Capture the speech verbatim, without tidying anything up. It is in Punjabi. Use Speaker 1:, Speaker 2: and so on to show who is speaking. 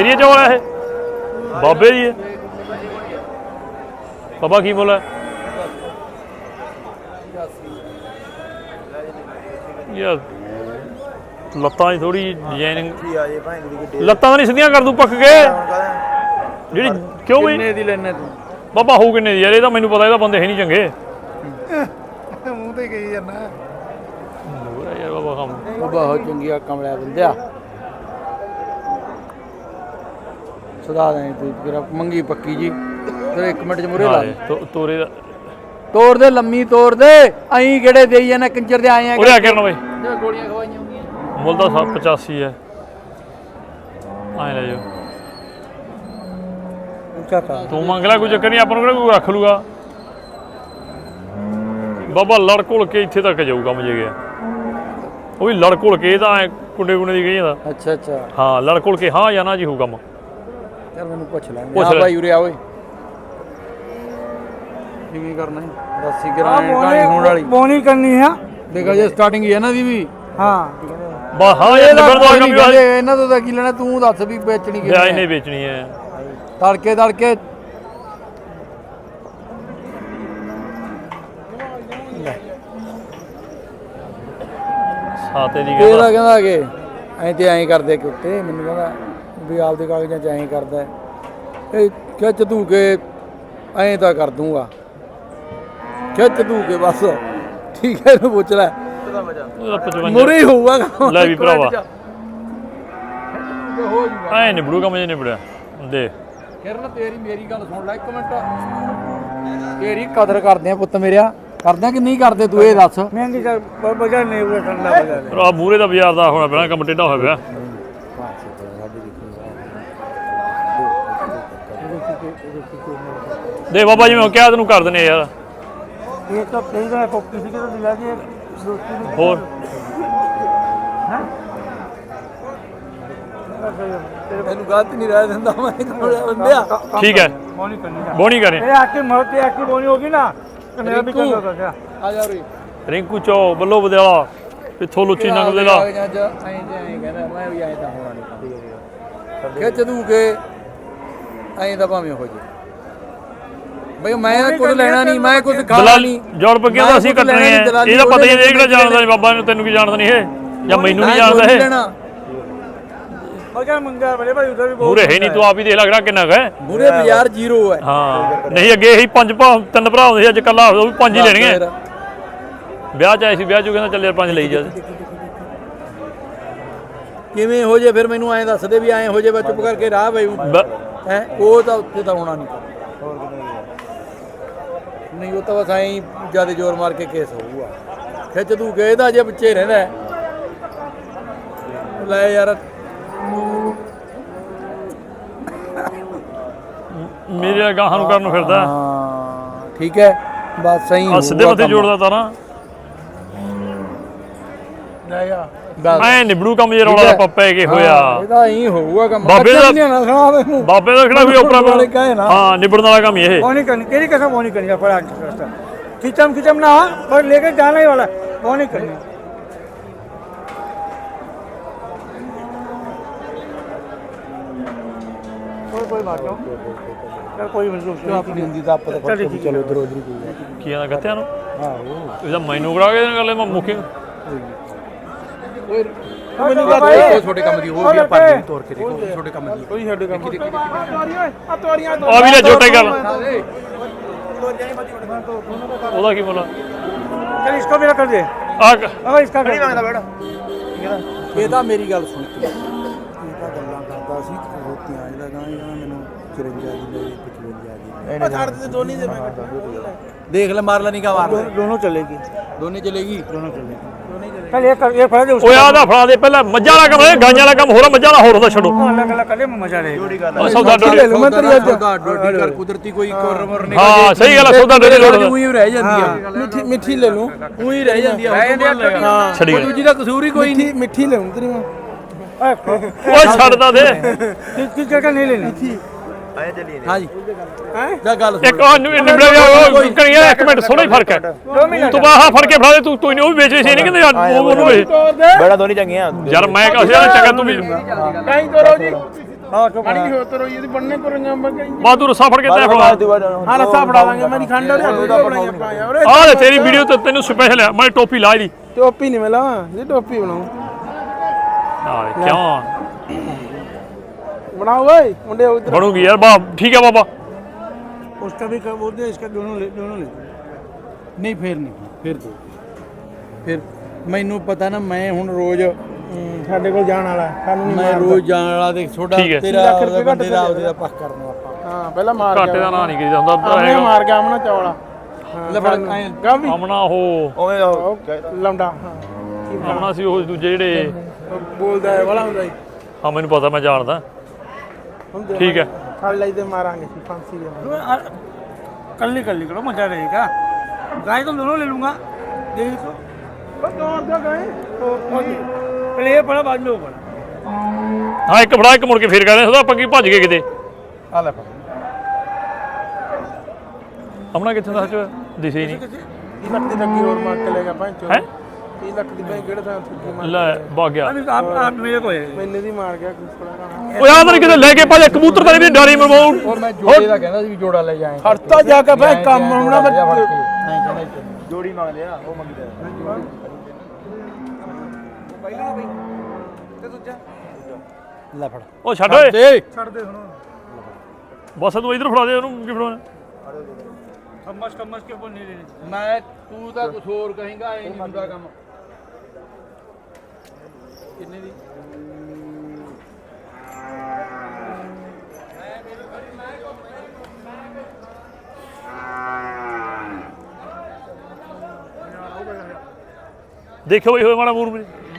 Speaker 1: ਏਰੀਆ ਚ ਵਾਲਾ ਇਹ ਬਾਬੇ ਦੀ ਹੈ ਬਾਬਾ ਕੀ ਬੋਲਾ ਯਾਰ ਲੱਤਾਂ ਦੀ ਥੋੜੀ ਡਿਜ਼ਾਈਨਿੰਗ ਲੱਤਾਂ ਤਾਂ ਨਹੀਂ ਸਿੱਧੀਆਂ ਕਰ ਦੂ ਪੱਕ ਕੇ ਜਿਹੜੀ ਕਿਉਂ ਬਈ
Speaker 2: ਕਿੰਨੇ ਦੀ ਲੈਣੇ ਤੂੰ
Speaker 1: ਬਾਬਾ ਹੋਊ ਕਿੰਨੇ ਦੀ ਯਾਰ ਇਹ ਤਾਂ ਮੈਨੂੰ ਪਤਾ ਇਹਦਾ ਬੰਦੇ ਹੈ ਨਹੀਂ ਚੰਗੇ
Speaker 2: ਮੂੰਹ ਤੇ ਕਹੀ ਜਾਂਦਾ
Speaker 1: ਯਾਰ ਬਾਬਾ ਕੰਮ
Speaker 2: ਉਹ ਬਹੁਤ ਚੰਗੀਆ ਕਮਲਿਆ ਬੰਦਿਆ ਸਦਾ ਦੇ ਤੂੰ ਤੇਰਾ ਮੰਗੀ ਪੱਕੀ ਜੀ ਤੇਰੇ ਇੱਕ ਮਿੰਟ ਚ ਮੁਰੇ ਲਾ
Speaker 1: ਤੋਰੇ ਦਾ
Speaker 2: ਤੋੜ ਦੇ ਲੰਮੀ ਤੋੜ ਦੇ ਐਂ ਕਿਹੜੇ ਦੇਈ ਜਾਣਾ ਕੰਜਰ ਦੇ ਆਏ ਆ
Speaker 1: ਉਰੇ ਆ ਕਰਨ ਬਈ
Speaker 2: ਗੋਲੀਆਂ ਖਵਾਈਆਂ ਹੁੰਦੀਆਂ
Speaker 1: ਮੁੱਲ ਦਾ ਪਚਾਸੀ ਹੈ ਆਏ ਲੈ ਜਾਓ ਤੂੰ ਮੰਗ ਲੈ ਕੋਈ ਚੱਕਰ ਨਹੀਂ ਆਪਾਂ ਨੂੰ ਕਿਹੜਾ ਕੋਈ ਰੱਖ ਲੂਗਾ ਬਾਬਾ ਲੜ ਘੁਲ ਕੇ ਇੱਥੇ ਤੱਕ ਜਾਊਗਾ ਮਜੇ ਗਿਆ ਉਹ ਵੀ ਲੜ ਘੁਲ ਕੇ ਤਾਂ ਕੁੰਡੇ ਕੁੰਡੇ ਦੀ ਗਈ ਜਾਂਦਾ
Speaker 2: ਅੱਛਾ ਅੱਛਾ
Speaker 1: ਹਾਂ ਲੜ ਘੁਲ ਕੇ ਹਾਂ ਜਾਂ ਨਾ ਜੀ ਹੋਊ ਕੰਮ
Speaker 2: ਚੱਲ ਮੈਨੂੰ ਪੁੱਛ ਲੈ ਆ ਭਾਈ ਉਰੇ ਆ ਓਏ ਕਿਵੇਂ ਕਰਨਾ ਹੈ ਦਸ ਗ੍ਰਾਮ ਕਾਣੀ ਹੋਣ ਵਾਲੀ
Speaker 3: ਬੋਨੀ ਕਰਨੀ ਹੈ
Speaker 2: ਦੇਖੋ ਜੇ ਸਟਾਰਟਿੰਗ ਹੀ ਹੈ ਨਾ ਦੀ ਵੀ
Speaker 3: ਹਾਂ
Speaker 1: ਬਾ ਹਾਂ ਇਹ ਨੰਬਰ ਦਾ ਕੰਮ ਵੀ
Speaker 2: ਇਹਨਾਂ ਤੋਂ ਤਾਂ ਕੀ ਲੈਣਾ ਤੂੰ ਦੱਸ ਵੀ ਵੇਚਣੀ ਕਿਵੇਂ
Speaker 1: ਵਿਆਜ ਨਹੀਂ ਵੇਚਣੀ ਹੈ
Speaker 2: ਤੜਕੇ ਤੜਕੇ
Speaker 1: ਸਾਤੇ ਦੀ
Speaker 2: ਇਹਦਾ ਕਹਿੰਦਾ ਕਿ ਐਂ ਤੇ ਐਂ ਕਰਦੇ ਕਿ ਉੱਤੇ ਮੈਨੂੰ ਕਹਿੰਦਾ ਵੀ ਆਪਦੇ ਕਾਗਜ਼ਾਂ 'ਚ ਐਂ ਕਰਦਾ ਇਹ ਖਿੱਚ ਧੂ ਕੇ ਐਂ ਤਾਂ ਕਰ ਦੂੰਗਾ ਖਿੱਚ ਧੂ ਕੇ ਬਸ ਠੀਕ ਹੈ ਇਹਨੂੰ ਪੁੱਛ ਲੈ ਮੁਰੇ ਹੀ ਹੋਊਗਾ
Speaker 1: ਲੈ ਵੀ ਭਰਾਵਾ ਐ ਨਿਬੜੂਗਾ ਮਜੇ ਨਿਬੜਿਆ ਦੇ
Speaker 2: ਕਿਰਨ ਤੇਰੀ ਮੇਰੀ ਗੱਲ ਸੁਣ ਲੈ ਇੱਕ ਮਿੰਟ ਤੇਰੀ ਕਦਰ ਕਰਦੇ ਆ ਪੁੱਤ ਮੇਰਿਆ ਕਰਦੇ ਕਿ ਨਹੀਂ ਕਰਦੇ ਤੂੰ ਇਹ ਦੱਸ
Speaker 3: ਮਹਿੰਗੀ ਚੱਲ ਬਾਜ਼ਾਰ ਨਹੀਂ ਉਹ ਠੰਡਾ ਬਾਜ਼ਾਰ
Speaker 1: ਆ ਮੂਰੇ ਦਾ ਬਾਜ਼ਾਰ ਦਾ ਹੋਣਾ ਪੈਣਾ ਕੰਮ ਟੇਢਾ ਹੋਇਆ ਪਿਆ ਦੇ ਬਾਬਾ ਜੀ ਮੈਂ ਕਿਹਾ ਤੈਨੂੰ ਕਰ ਦਨੇ ਯਾਰ
Speaker 3: ਇਹ ਤਾਂ ਕਈ ਦਾ ਕੋਪੀ ਸੀ ਕਿ ਤਾਂ ਦਿਲਾ ਜੀ
Speaker 1: ਹੋਰ
Speaker 2: ਤੈਨੂੰ ਗਲਤ ਨਹੀਂ ਰਹਿ ਦਿੰਦਾ ਮੈਂ ਕੋਲਿਆ ਬੰਦਿਆ
Speaker 1: ਠੀਕ ਹੈ
Speaker 3: ਬੋਨੀ ਕਰਨੀ
Speaker 1: ਬੋਣੀ ਕਰੇ
Speaker 3: ਇਹ ਆਕੇ ਮਰਤੇ ਆਕੇ ਬੋਨੀ ਹੋਗੀ ਨਾ ਤੇ ਮੇਰਾ ਵੀ ਚੰਗਾ ਹੋ ਗਿਆ
Speaker 2: ਆ ਜਾ ਰੇ
Speaker 1: ਰਿੰਕੂ ਚੋ ਬੱਲੋ ਬਦਲਾ ਪਿੱਥੋਂ ਲੁੱਚੀ ਨੰਗ ਦੇ ਲਾ
Speaker 2: ਐਂ ਐਂ ਕਹਿੰਦਾ ਮੈਂ ਵੀ ਐਂ ਤਾਂ ਹੋਣਾ ਨਹੀਂ ਖਿੱਚ ਦੂ ਕੇ ਐਂ ਤਾਂ ਭਾਵੇਂ ਹੋ ਜੇ ਬਈ ਮੈਂ ਕੁਝ ਲੈਣਾ ਨਹੀਂ ਮੈਂ ਕੁਝ ਖਾਣਾ ਨਹੀਂ
Speaker 1: ਜੋੜ ਪੱਕਿਆਂ ਦਾ ਅਸੀਂ ਕੱਟਣੇ ਆ ਇਹਦਾ ਪਤਾ ਹੀ ਨਹੀਂ ਕਿਹੜਾ ਜਾਣਦਾ ਨਹੀਂ ਬਾਬਾ ਨੂੰ ਤੈਨੂੰ ਕੀ ਜਾਣਦਾ ਨਹੀਂ ਇਹ ਜਾਂ ਮੈਨੂੰ ਨਹੀਂ ਜਾਣਦਾ ਇਹ
Speaker 3: ਮਗਰ ਮੰਗਾ ਬੜੇ ਭਾਈ ਉਧਰ ਵੀ
Speaker 1: ਮੂਰੇ ਹੈ ਨਹੀਂ ਤੂੰ ਆਪ ਹੀ ਦੇਖ ਲੱਗ ਰਿਹਾ ਕਿੰਨਾ ਹੈ
Speaker 2: ਮੂਰੇ ਬਾਜ਼ਾਰ ਜ਼ੀਰੋ ਹੈ
Speaker 1: ਹਾਂ ਨਹੀਂ ਅੱਗੇ ਇਹੀ ਪੰਜ ਭਰਾ ਤਿੰਨ ਭਰਾ ਹੁੰਦੇ ਸੀ ਅੱਜ ਕੱਲਾ ਉਹ ਵੀ ਪੰਜ ਹੀ ਲੈਣਗੇ ਵਿਆਹ ਚ ਆਏ ਸੀ ਵਿਆਹ ਚ ਕਹਿੰਦਾ ਚੱਲ ਯਾਰ ਪੰਜ ਲਈ ਜਾ
Speaker 2: ਕਿਵੇਂ ਹੋ ਜੇ ਫਿਰ ਮੈਨੂੰ ਐਂ ਦੱਸ ਦੇ ਵੀ ਐਂ ਹੋ ਜੇ ਮੈਂ ਚੁੱਪ ਕਰਕੇ ਰਾਹ ਪਈ ਹੈ ਉਹ ਤਾਂ ਉੱਥੇ ਤਾਂ ਹੋਣਾ ਨਹੀਂ ਨਹੀਂ ਉਹ ਤਾਂ ਬਸ ਐਂ ਜਿਆਦਾ ਜ਼ੋਰ ਮਾਰ ਕੇ ਕੇਸ ਹੋਊਗਾ ਖਿੱਚ ਤੂੰ ਗਏ ਤਾਂ ਅਜੇ ਬੱਚੇ ਰਹਿੰਦਾ ਲੈ ਯਾਰ
Speaker 1: ਮੇਰੇ ਗਾਹਾਂ ਨੂੰ ਕਰਨ ਨੂੰ ਫਿਰਦਾ
Speaker 2: ਹਾਂ ਠੀਕ ਹੈ ਬਸ ਸਹੀ
Speaker 1: ਆ ਸਿੱਧੇ ਮੱਥੇ ਜੋੜਦਾ ਤਾਂ ਨਾ
Speaker 2: ਲੈ ਯਾਰ
Speaker 1: ਐ ਨਿਬੜੂ ਕੰਮ ਜੇ ਰੌਲਾ ਦਾ ਪੈ ਕੇ ਹੋਇਆ
Speaker 2: ਇਹਦਾ ਐਂ ਹੋਊਗਾ ਕੰਮ
Speaker 1: ਬਾਬੇ ਦਾ
Speaker 2: ਦਾ
Speaker 1: ਬਾਬੇ ਦਾ ਕਿਹੜਾ ਵੀ ਉਪਰਾ ਹਾਂ ਨਿਬੜਨ ਵਾਲਾ ਕੰਮ ਇਹ
Speaker 3: बोनी करनी तेरी कसम बोनी करनी पर रास्ता खिचम खिचम ना पर लेकर जाना ही वाला बोनी करनी कोई कोई बात नहीं चल कोई मतलब
Speaker 2: ਆਪਣੀ ਹੁੰਦੀ ਤਾਂ ਆਪਾਂ ਤਾਂ ਚਲੋ ਇਧਰ ਉਧਰ ਕੋਈ
Speaker 1: ਕੀ ਆਦਾ ਗੱਤਿਆਂ ਨੂੰ
Speaker 2: ਆਹੋ
Speaker 1: ਇਹਦਾ ਮੈਨੂੰ ਕਰਾ ਕੇ ਗੱਲ ਮੈਂ ਮੁੱਕੀ
Speaker 2: ਓਏ ਮੈਨੂੰ ਗੱਲ ਕੋਈ ਛੋਟੇ ਕੰਮ ਦੀ ਹੋ ਗਿਆ ਪਰ ਤੋੜ ਕੇ ਦੇਖੋ ਛੋਟੇ ਕੰਮ ਦੀ ਕੋਈ ਛੋਟੇ ਕੰਮ ਦੀ
Speaker 3: आ तोरियां
Speaker 1: ਆ ਵੀ ਲੈ ਛੋਟੇ ਗੱਲ ਉਹਦਾ ਕੀ ਬੋਲਾ
Speaker 3: चल इसको मेरा कर दे
Speaker 1: ਆ
Speaker 3: अगर इसका नहीं मांगता बेटा
Speaker 2: ਇਹ ਤਾਂ ਮੇਰੀ ਗੱਲ ਸੁਣ ਕੇ ਇਹ ਤਾਂ ਗੱਲਾਂ ਕਰਦਾ ਸੀ ਰੋਟੀਆਂ ਜਿਹੜਾ ਗਾਂ ਇਹਨਾਂ ਮੈਨੂੰ ਚੁਰੰਜਾ ਦੀ ਲਈ ਪਚਵੰਜਾ ਦੀ ਇਹਨੇ ਛੱਡ ਦੇ ਦੋਨੀ ਦੇ ਮੈਂ ਦੇਖ ਲੈ ਮਾਰ ਲੈ ਨਹੀਂ ਕਾ ਮਾਰ
Speaker 3: दोनों चलेगी
Speaker 2: ਦੋਨੇ ਚਲੇਗੀ
Speaker 3: दोनों चलेगी चल एक कर एक फड़ा दे
Speaker 1: ਓਏ ਆਦਾ ਫੜਾ ਦੇ ਪਹਿਲਾਂ ਮੱਝਾਂ ਵਾਲਾ ਕੰਮ ਹੈ ਗਾਂਆਂ ਵਾਲਾ ਕੰਮ ਹੋਰ ਮੱਝਾਂ ਵਾਲਾ ਹੋਰ ਹੁੰਦਾ ਛੱਡੋ
Speaker 3: अलग अलग कर ले मजा रहेगा
Speaker 1: ਆ ਸੌਦਾ ਡੋਡੀ
Speaker 2: ਲੈ ਲੂ ਮੈਂ ਤੇਰੀ ਅੱਜ ਡੋਡੀ ਕਰ ਕੁਦਰਤੀ ਕੋਈ ਕੋਰਮਰ ਨਹੀਂ
Speaker 1: ਹਾਂ ਸਹੀ ਗੱਲ ਆ ਸੌਦਾ ਡੋਡੀ ਲੋੜ
Speaker 2: ਉਹੀ ਰਹਿ ਜਾਂਦੀ ਆ ਮਿੱਠੀ ਮਿੱਠੀ ਲੈ ਲੂ ਉਹੀ ਰਹਿ ਜਾਂਦੀ ਆ ਹਾਂ
Speaker 1: ਛੜੀ
Speaker 2: ਦੂਜੀ ਦਾ ਕਸੂਰ ਹੀ ਕੋਈ ਨਹੀਂ ਮਿੱਠੀ ਲੈ ਤੇਰੀ ਮੈਂ
Speaker 1: ਓਏ ਛੱਡਦਾ ਦੇ
Speaker 3: किस जगह नहीं लेनी
Speaker 2: ਆਇਆ ਚੱਲੀਏ ਹਾਂ ਜੀ ਜਾ ਗੱਲ
Speaker 1: ਇੱਕ ਉਹ ਨਿਬੜਿਆ ਗਿਆ ਕਰੀਏ ਇੱਕ ਮਿੰਟ ਥੋੜਾ ਹੀ ਫਰਕ ਹੈ ਤੂੰ ਬਾਹਾ ਫੜ ਕੇ ਫੜਾ ਦੇ ਤੂੰ ਤੂੰ ਨਹੀਂ ਉਹ ਵੀ ਵੇਚ ਰਹੀ ਸੀ ਨਹੀਂ ਕਹਿੰਦੇ ਯਾਰ ਉਹਨੂੰ ਵੇਚ
Speaker 2: ਬੜਾ ਦੋਨੀ ਚੰਗੀਆਂ
Speaker 1: ਯਾਰ ਮੈਂ ਕਹਾਂ ਯਾਰ ਚੰਗਾ ਤੂੰ ਵੀ
Speaker 3: कहीं तो रहो जी हाँ तो
Speaker 4: ਮਾੜੀ ਹੋ ਤੋ ਰੋਈ ਇਹਦੀ ਬੰਨੇ ਕਰਾਂਗਾ ਮੈਂ ਕਹੀਂ
Speaker 1: ਬਾ ਤੂੰ ਰੱਸਾ ਫੜ ਕੇ ਤੈ ਫੜਾ
Speaker 4: ਹਾਂ ਰੱਸਾ ਫੜਾ ਦਾਂਗੇ ਮੈਂ ਨਹੀਂ ਖੰਡ ਰਿਆ ਉਹਦਾ ਬਣਾਈ ਆਪਾਂ ਯਾਰ
Speaker 1: ਆ ਲੈ ਤੇਰੀ ਵੀਡੀਓ ਤੇ ਤੈਨੂੰ ਸਪੈਸ਼ਲ ਆ ਮੈਂ ਟੋਪੀ ਲਾ ਲਈ
Speaker 4: ਟੋਪੀ ਨਹੀਂ ਮਿਲਾ ਇਹ ਟੋਪੀ ਬਣਾਉ
Speaker 1: ਆ ਕਿਉਂ
Speaker 4: ਬਣਾਓ ਓਏ ਮੁੰਡੇ ਉਧਰ
Speaker 1: ਬਣੂਗੀ ਯਾਰ ਬਾ ਠੀਕ ਹੈ ਬਾਬਾ
Speaker 3: उसका भी कर बोलते इसका दोनों ले दोनों ले
Speaker 2: ਨਹੀਂ ਫੇਰ ਨਹੀਂ ਫੇਰ ਦੋ ਫਿਰ ਮੈਨੂੰ ਪਤਾ ਨਾ ਮੈਂ ਹੁਣ ਰੋਜ਼
Speaker 4: ਸਾਡੇ ਕੋਲ ਜਾਣ ਵਾਲਾ ਸਾਨੂੰ ਨਹੀਂ
Speaker 2: ਮੈਂ
Speaker 4: ਮਾਰਦਾ
Speaker 2: ਰੋਜ਼ ਜਾਣ ਵਾਲਾ ਦੇਖ ਛੋਟਾ
Speaker 1: ਠੀਕ ਹੈ।
Speaker 2: ਤੇਰਾ
Speaker 4: ਲੱਖ ਰੁਪਏ ਘੱਟ
Speaker 2: ਬੰਦੇ ਦਾ ਉਹਦੇ ਦਾ ਪੱਖ ਕਰਨਾ ਆਪਾਂ
Speaker 4: ਹਾਂ ਪਹਿਲਾਂ ਮਾਰ
Speaker 1: ਘਾਟੇ ਦਾ ਨਾਂ ਨਹੀਂ ਕਰੀਦਾ ਹੁੰਦਾ
Speaker 4: ਆਮਣੇ
Speaker 1: ਹੈਗਾ।
Speaker 4: ਮਾਰ ਗਿਆ ਆਮਣਾ ਚੌਲਾ
Speaker 2: ਲੈ ਫੜ ਐਂ
Speaker 4: ਗਾਵੀ
Speaker 1: ਆਮਣਾ ਉਹ
Speaker 4: ਲੰਡਾ ਹਾਂ
Speaker 1: ਆਮਣਾ ਸੀ ਉਹ ਦੂਜੇ ਜਿਹੜੇ
Speaker 4: ਉਹ ਬੋਲਦਾ ਹੈ ਵਾਲਾ ਹੁੰਦਾ ਜੀ
Speaker 1: ਹਾਂ ਮੈਨੂੰ ਪਤਾ ਮੈਂ ਜਾਣਦਾ
Speaker 4: ਹੁੰਦੇ
Speaker 1: ਠੀਕ ਹੈ
Speaker 4: ਫੜ ਲਈ ਤੇ ਮਾਰਾਂਗੇ ਸੀ ਫਾਂਸੀ ਦੇ
Speaker 3: कर ली कर ली करो मजा रहेगा गाय तो दोनों ले लूंगा देखो
Speaker 4: ਉਹ ਕੌਣ ਦਾ ਗਏ
Speaker 3: पहले ये पड़ा बाद में वो पड़ा
Speaker 1: ਹਾਂ ਇੱਕ ਫੜਾ ਇੱਕ ਮੁੜ ਕੇ ਫੇਰ ਕਹਿੰਦੇ ਉਹਦਾ ਆਪਾਂ ਕੀ ਭੱਜ ਗਏ ਕਿਤੇ
Speaker 2: ਆ ਲੈ ਫੜ
Speaker 1: ਆਮਣਾ ਕਿੱਥੇ ਦਾ ਚ ਦਿਸੇ ਹੀ ਨਹੀਂ
Speaker 4: ਤੀਹ ਲੱਖ ਦੀ ਟੱਕੀ ਹੋਰ ਮਾਰ ਕੇ ਲੈ ਗਿਆ ਪੰਜ
Speaker 1: ਹੈ
Speaker 4: ਤੀਹ ਲੱਖ ਦੀ ਭਾਈ ਕਿਹੜੇ ਥਾਂ ਠੱਗੀ ਮਾਰ
Speaker 1: ਲੈ ਭੱਗ ਗਿਆ
Speaker 3: अभी आप आप मेरे को है
Speaker 4: ਮੈਨੇ ਦੀ ਮਾਰ ਗਿਆ ਕੁਛ ਥੋੜਾ
Speaker 1: ਉਹ ਯਾਦ ਨਹੀਂ ਕਿਤੇ ਲੈ ਕੇ ਭੱਜ ਕਬੂਤਰ ਤਾਂ ਨਹੀਂ ਡਾਰੀ ਮਰਵਾਉ
Speaker 2: ਉਹ ਮੈਂ ਜੋੜੇ ਦਾ ਕਹਿੰਦਾ ਸੀ ਵੀ ਜੋੜਾ ਲੈ ਜਾਏ
Speaker 4: ਖੜਤਾ ਜਾ ਕੇ ਭਾਈ ਕੰਮ ਹੋਣਾ
Speaker 2: ਨਹੀਂ ਕਹਿੰਦਾ
Speaker 4: ਜੋੜੀ ਮੰਗ ਲਿਆ ਉਹ ਮੰਗਦਾ
Speaker 2: ਲੈ ਫੜ
Speaker 1: ਉਹ ਛੱਡ ਓਏ
Speaker 2: ਦੇ
Speaker 4: ਛੱਡ ਦੇ ਹੁਣ
Speaker 1: ਬਸ ਤੂੰ ਇਧਰ ਫੜਾ ਦੇ ਉਹਨੂੰ ਕੀ ਫੜਾਉਣਾ
Speaker 3: कम्मस कम्मस के ऊपर नहीं लेने
Speaker 2: ਮੈਂ ਤੂੰ ਤਾਂ ਕੁਝ ਹੋਰ ਕਹੇਂਗਾ ਐ ਨਹੀਂ ਹੁੰਦਾ ਕੰਮ ਕਿੰਨੇ ਦੀ
Speaker 1: ਦੇਖੋ ਬਈ ਹੋਏ ਮਾੜਾ ਮੂਰ ਮੇਰੇ